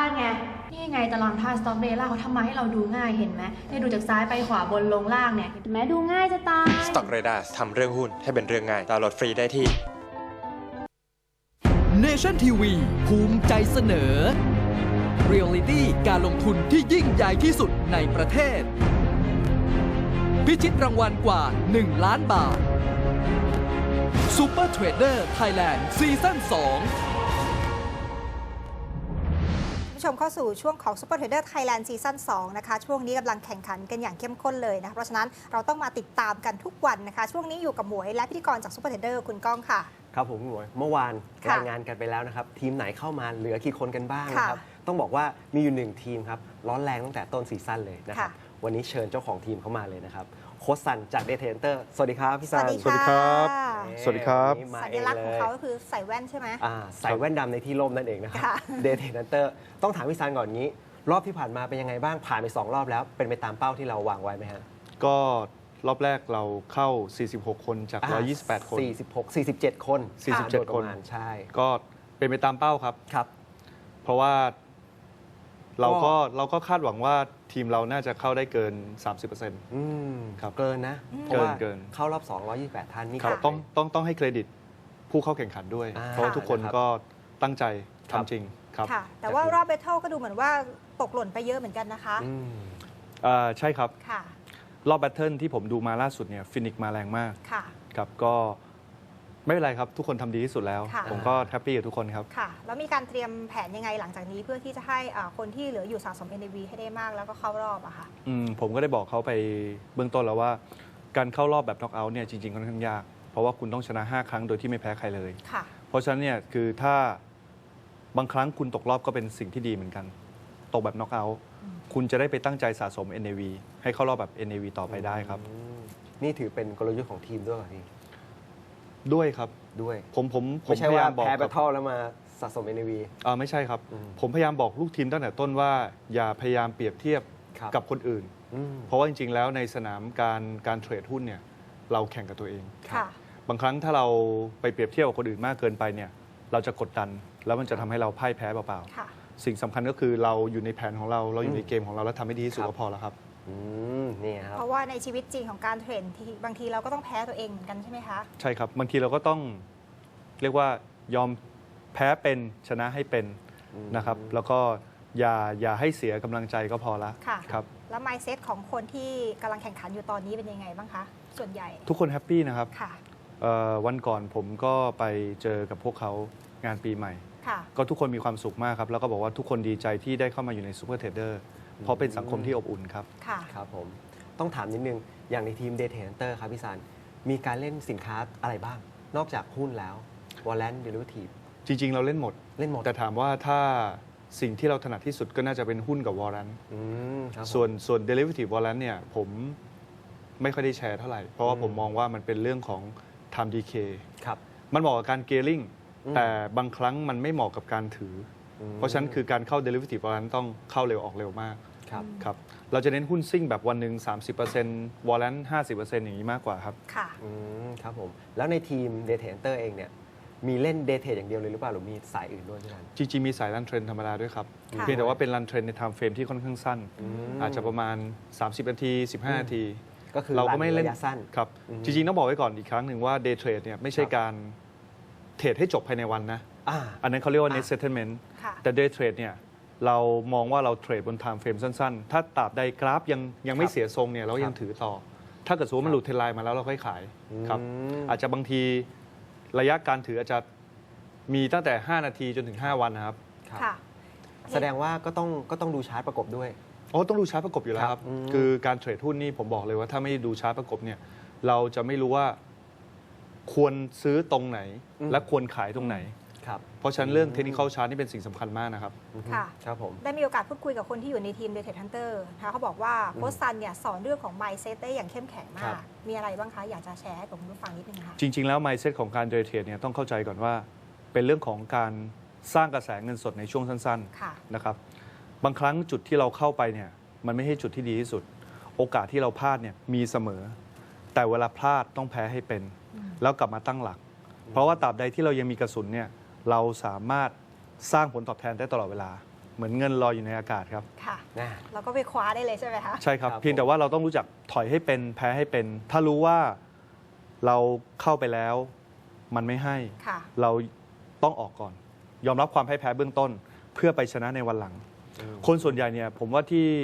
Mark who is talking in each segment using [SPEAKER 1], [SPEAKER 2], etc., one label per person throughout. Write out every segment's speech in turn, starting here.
[SPEAKER 1] านไงนี่ไงตารางธาตุสต็อกเดล่าเขาทำมาให้เราดูง่ายเห็นไหมเนี่ยดูจากซ้ายไปขวาบนลงล่างเนี่ยเห็นไหมดูง่ายจะตาย
[SPEAKER 2] Stock Radar ทำเรื่องหุ้นให้เป็นเรื่องง่ายดาวน์โหลดฟรีได้ที่
[SPEAKER 3] Nation TV ภูมิใจเสนอ Reality การลงทุนที่ยิ่งใหญ่ที่สุดในประเทศ พิชิตรางวัลกว่า 1 ล้านบาท Super Trader Thailand ซีซั่น 2
[SPEAKER 4] ชมเข้าสู่ช่วงของ Super Trader Thailand ซีซั่น 2 นะคะช่วงนี้กำลังแข่งขันกันอย่างเข้มข้นเลยนะคะเพราะฉะนั้นเราต้องมาติดตามกันทุกวันนะคะช่วงนี้อยู่กับหมวยและพิธีกรจาก Super Trader คุณก้องค่ะ
[SPEAKER 5] ครับผมหมวยเมื่อวานรายงานกันไปแล้วนะครับทีมไหนเข้ามาเหลือกี่คนกันบ้างนะครับต้องบอกว่ามีอยู่1ทีมครับร้อนแรงตั้งแต่ต้นซีซั่นเลยนะครับวันนี้เชิญเจ้าของทีมเข้ามาเลยนะครับโค้ชซันจาก Day Trader สวัสดีครับพี่ซัน
[SPEAKER 4] สวัสดีครับ
[SPEAKER 2] สวัสดีครับ
[SPEAKER 4] สัญลักษณ์ของเขาก็คือใส่แว่นใช่ไหม
[SPEAKER 5] ใส่แว่นดำในที่ร่มนั่นเองนะครับ Day Trader ต้องถามพี่ซันก่อนงี้รอบที่ผ่านมาเป็นยังไงบ้างผ่านไป2รอบแล้วเป็นไปตามเป้าที่เราวางไว้ไหมฮะ
[SPEAKER 2] ก็รอบแรกเราเข้า46คนจาก128คน
[SPEAKER 5] 47คน
[SPEAKER 2] 47คน
[SPEAKER 5] ใช่
[SPEAKER 2] ก็เป็นไปตามเป้าครับ
[SPEAKER 5] ครับ
[SPEAKER 2] เพราะว่าเราก็คาดหวังว่าทีมเราน่าจะเข้าได้เกิน 30%ครับ
[SPEAKER 5] เกินนะ
[SPEAKER 2] เกิน
[SPEAKER 5] เข้ารอบ228ท่านนี่
[SPEAKER 2] ครับต้องให้เครดิตผู้เข้าแข่งขันด้วยเพราะว่าทุกคนก็ตั้งใจทำจริงครับ
[SPEAKER 4] แต่ว่ารอบเบทเทิลก็ดูเหมือนว่าตกหล่นไปเยอะเหมือนกันนะคะ
[SPEAKER 2] ใช่ครับรอบแบทเทิลที่ผมดูมาล่าสุดเนี่ยฟินิกมาแรงมากครับก็ไม่เป็นไรครับทุกคนทำดีที่สุดแล้วผมก็แฮปปี้กับทุกคนครับ
[SPEAKER 4] ค่ะแล้วมีการเตรียมแผนยังไงหลังจากนี้เพื่อที่จะให้คนที่เหลืออยู่สะสม NAV ให้ได้มากแล้วก็เข้ารอบอะค่ะ
[SPEAKER 2] ผมก็ได้บอกเขาไปเบื้องต้นแล้วว่าการเข้ารอบแบบน็อกเอาท์เนี่ยจริงๆค่อนข้างยากเพราะว่าคุณต้องชนะ5ครั้งโดยที่ไม่แพ้ใครเลยเพราะฉะนั้นเนี่ยคือถ้าบางครั้งคุณตกรอบก็เป็นสิ่งที่ดีเหมือนกันตกแบบน็อกเอาท์คุณจะได้ไปตั้งใจสะสม NAV ให้เข้ารอบแบบ NAV ต่อไปได้ครับ
[SPEAKER 5] นี่ถือเป็นกลยุทธ์ของทีมด้วยเหรอพี่
[SPEAKER 2] ด้วยครับ
[SPEAKER 5] ด้วย
[SPEAKER 2] ผม
[SPEAKER 5] ไม่ใช่ว่าแพ้แบทเทิลแล้วมาสะสม NAV
[SPEAKER 2] ไม่ใช่ครับผมพยายามบอกลูกทีมตั้งแต่ต้นว่าอย่าพยายามเปรียบเทียบกับคนอื่นเพราะว่าจริงๆแล้วในสนามการเทรดหุ้นเนี่ยเราแข่งกับตัวเองบางครั้งถ้าเราไปเปรียบเทียบกับคนอื่นมากเกินไปเนี่ยเราจะกดดันแล้วมันจะทำให้เราพ่ายแพ้เปล่าๆสิ่งสำคัญก็คือเราอยู่ในแผนของเราอยู่ในเกมของเราแล้วทำให้ดีที่สุดก็พอแล้วครับ
[SPEAKER 5] นี่ครับ
[SPEAKER 4] เพราะว่าในชีวิตจริงของการเทรดบางทีเราก็ต้องแพ้ตัวเองเหมือนกันใช่ไหมคะ
[SPEAKER 2] ใช่ครับบางทีเราก็ต้องเรียกว่ายอมแพ้เป็นชนะให้เป็นนะครับแล้วก็อย่าให้เสียกำลังใจก็พอละครับ
[SPEAKER 4] แล้ว mindset ของคนที่กำลังแข่งขันอยู่ตอนนี้เป็นยังไงบ้างคะส่วนใหญ่
[SPEAKER 2] ทุกคนแฮปปี้นะครับวันก่อนผมก็ไปเจอกับพวกเขางานปีใหม่ก็ทุกคนมีความสุขมากครับแล้วก็บอกว่าทุกคนดีใจที่ได้เข้ามาอยู่ในซูเปอร์เทรดเดอร์เพราะเป็นสังคมที่อบอุ่นครับ
[SPEAKER 5] ครับผมต้องถามนิดนึงอย่างในทีม Day Trader ครับพี่ซันมีการเล่นสินค้าอะไรบ้างนอกจากหุ้นแล้ว Warrant Derivative
[SPEAKER 2] จริงๆเราเล่นหมดแต่ถามว่าถ้าสิ่งที่เราถนัดที่สุดก็น่าจะเป็นหุ้นกับ Warrant ส่วน Derivative Warrant เนี่ยผมไม่ค่อยได้แชร์เท่าไหร่เพราะว่าผมมองว่ามันเป็นเรื่องของ Time Decay มันเหมาะกับการ Gearing แต่บางครั้งมันไม่เหมาะกับการถือเพราะฉะนั้นคือการเข้า Derivative Warrant ต้องเข้าเร็วออกเร็วมากครับเราจะเน้นหุ้นซิ่งแบบวันหนึ่ง 30% Warrant 50% อย่างนี้มากกว่าครับ
[SPEAKER 5] ครับผมแล้วในทีม Day Trader เองเนี่ยมีเล่น Day Trade อย่างเดียวเลยหรือเปล่าหรือมีสายอื่นด้วยพี่ซัน
[SPEAKER 2] จริงๆมีสายรันเทรนธรรมดาด้วยครับเพียงแต่ว่าเป็นรันเทรนในไทม์เฟรมที่ค่อนข้างสั้นอาจจะประมาณ30นาที15นาที
[SPEAKER 5] ก็คือ
[SPEAKER 2] เราก็ไม่เล่น
[SPEAKER 5] สั้น
[SPEAKER 2] ครับจริงๆต้องบอกไว้ก่อนอีกครั้งหนึ่งว่า Day Trade เนี่ยไม่ใช่การเทรดให้จบภายในวันนะอันนั้นเขาเรียกว่า net settlement แต่ Day Trade เนี่ยเรามองว่าเราเทรดบน time frame สั้นๆถ้าตราบใดกราฟยังไม่เสียทรงเนี่ยเรายังถือต่อถ้าเกิดสมมติมันหลุดเทรนไลน์มาแล้วเราค่อยขายครับอาจจะบางทีระยะการถืออาจจะมีตั้งแต่5นาทีจนถึง5วันนะครับ
[SPEAKER 5] แสดงว่าก็ต้องดูชาร์ตประกบด้วย
[SPEAKER 2] ต้องดูชาร์ตประกบอยู่แล้วครับคือการเทรดหุ้นนี่ผมบอกเลยว่าถ้าไม่ดูชาร์ตประกบเนี่ยเราจะไม่รู้ว่าควรซื้อตรงไหนและควรขายตรงไหนเพราะฉะนั้นเรื่องเทคนิคอลชาร์ตนี่เป็นสิ่งสำคัญมากนะครับ
[SPEAKER 4] ค่ะครับผมได้มีโอกาสพูดคุยกับคนที่อยู่ในทีม Day Hunter เขาบอกว่าโค้ชซันเนี่ยสอนเรื่องของ mindset ได้อย่างเข้มแข็งมากมีอะไรบ้างคะอยากจะแชร์ให้กับคุณผู้ฟังนิดนึงค่ะ
[SPEAKER 2] จริงๆแล้ว mindset ของการ Day Trade เนี่ยต้องเข้าใจก่อนว่าเป็นเรื่องของการสร้างกระแสเงินสดในช่วงสั้นๆนะครับบางครั้งจุดที่เราเข้าไปเนี่ยมันไม่ใช่จุดที่ดีที่สุดโอกาสที่เราพลาดเนี่ยมีเสมอแต่เวลาพลาดต้องแพ้ให้เป็นแล้วกลับมาตั้งหลักเพราะว่าตราบใดที่เรายังมีกระสุนเนี่ยเราสามารถสร้างผลตอบแทนได้ตลอดเวลาเหมือนเงินลอยอยู่ในอากาศครับ
[SPEAKER 4] ค่ะ
[SPEAKER 5] นะ
[SPEAKER 4] เราก็ไปคว้าได้เลยใช่ไหมคะ
[SPEAKER 2] ใช่ครับ
[SPEAKER 5] ครับ
[SPEAKER 2] เพียงแต่ว่าเราต้องรู้จักถอยให้เป็นแพ้ให้เป็น ถ้ารู้ว่าเราเข้าไปแล้วมันไม่ให้
[SPEAKER 4] ค่ะ
[SPEAKER 2] เราต้องออกก่อน ยอมรับความพ่ายแพ้เบื้องต้น เพื่อไปชนะในวันหลัง คนส่วนใหญ่เนี่ยผมว่าที่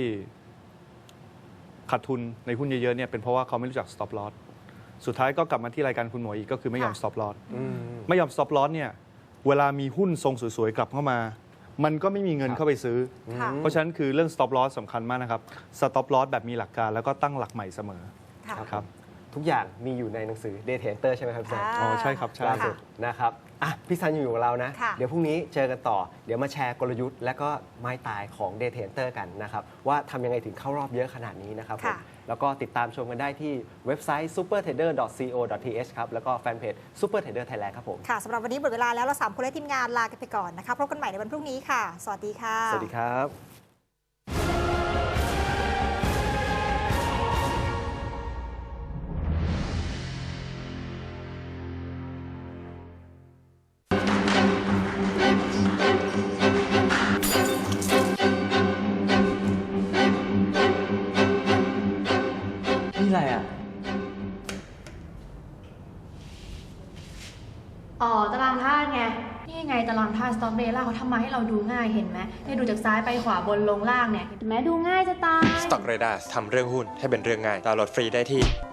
[SPEAKER 2] ขาดทุนในหุ้นเยอะๆเนี่ยเป็นเพราะว่าเขาไม่รู้จัก stop loss สุดท้ายก็กลับมาที่รายการคุณหมวยอีกก็คือไม่ยอม
[SPEAKER 4] ค่ะ
[SPEAKER 2] stop loss
[SPEAKER 5] อืม
[SPEAKER 2] ไม่ยอม stop loss เนี่ยเวลามีหุ้นทรงสวยๆกลับเข้ามา มันก็ไม่มีเงิน
[SPEAKER 5] ครับ
[SPEAKER 2] เข้าไปซื้อ
[SPEAKER 4] ค่ะ
[SPEAKER 2] เพราะฉะนั้นคือเรื่อง stop loss สำคัญมากนะครับ stop loss แบบมีหลักการแล้วก็ตั้งหลักใหม่เสมอ
[SPEAKER 4] ค่ะ
[SPEAKER 2] ครับ
[SPEAKER 5] ทุกอย่างมีอยู่ในหนังสือ Day Trader ใช่ไหมครับพี่ซัน
[SPEAKER 2] อ๋อใช่ครับใช่
[SPEAKER 5] ล่าสุดนะครับอ่ะพี่ซันอยู่กับเรานะ
[SPEAKER 4] ค่ะ
[SPEAKER 5] เดี๋ยวพรุ่งนี้เจอกันต่อ เดี๋ยวมาแชร์กลยุทธ์และก็ไม้ตายของ Day Trader กันนะครับ ว่าทำยังไงถึงเข้ารอบเยอะขนาดนี้นะครับผม
[SPEAKER 4] ค่ะ
[SPEAKER 5] แล้วก็ติดตามชมกันได้ที่เว็บไซต์ supertrader.co.th ครับ แล้วก็แฟนเพจ Super Trader Thailand ครับผม
[SPEAKER 4] ค่ะสำหรับวันนี้หมดเวลาแล้วเรา3คนและทีมงานลากันไปก่อนนะคะพบกันใหม่ในวันพรุ่งนี้ค่ะ สวัสดีค่ะ
[SPEAKER 5] สวัสดีครับ
[SPEAKER 6] นี่อะไรอ่ะ
[SPEAKER 1] อ๋อตารางธาตุไง นี่ไงตารางธาตุสต็อกเดล่าเขาทำมาให้เราดูง่ายเห็นไหมเนี่ยดูจากซ้ายไปขวาบนลงล่างเนี่ยเห็นไหมดูง่ายจะตาย
[SPEAKER 7] Stock Radar ทำเรื่องหุ้นให้เป็นเรื่องง่ายดาวน์โหลดฟรีได้ที่